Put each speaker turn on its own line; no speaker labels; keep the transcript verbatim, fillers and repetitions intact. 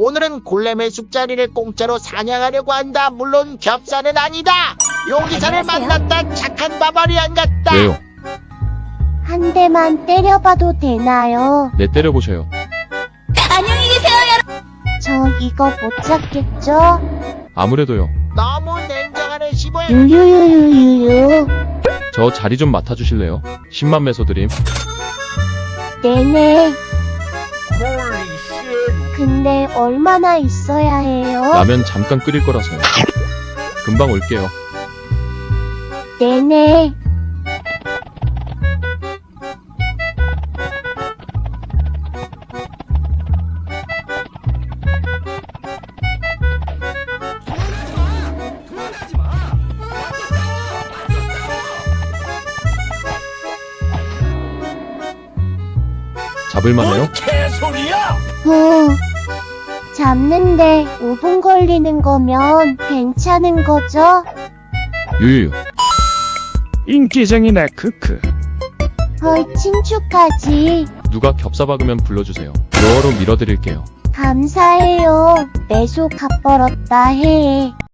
오늘은 골렘의 숲자리를 공짜로 사냥하려고 한다. 물론 겹사는 아니다. 용기사를 만났다. 착한 바바리안 같다.
왜요?
한 대만 때려봐도 되나요?
네, 때려보셔요.
안녕히 계세요, 여러분.
저 이거 못 잡겠죠?
아무래도요.
너무 냉정하네 시보야.
유유유유유.
저 자리 좀 맡아주실래요? 십만 매소 드림.
네네. 근데 얼마나 있어야 해요?
라면 잠깐 끓일 거라서요. 금방 올게요.
네네.
잡을만해요?
후. 잡는데 오 분 걸리는 거면 괜찮은 거죠?
유유유.
인기쟁이네 크크.
헐칭 축하지.
누가 겹사 박으면 불러주세요. 로어로 밀어드릴게요.
감사해요. 매소 값벌었다 해.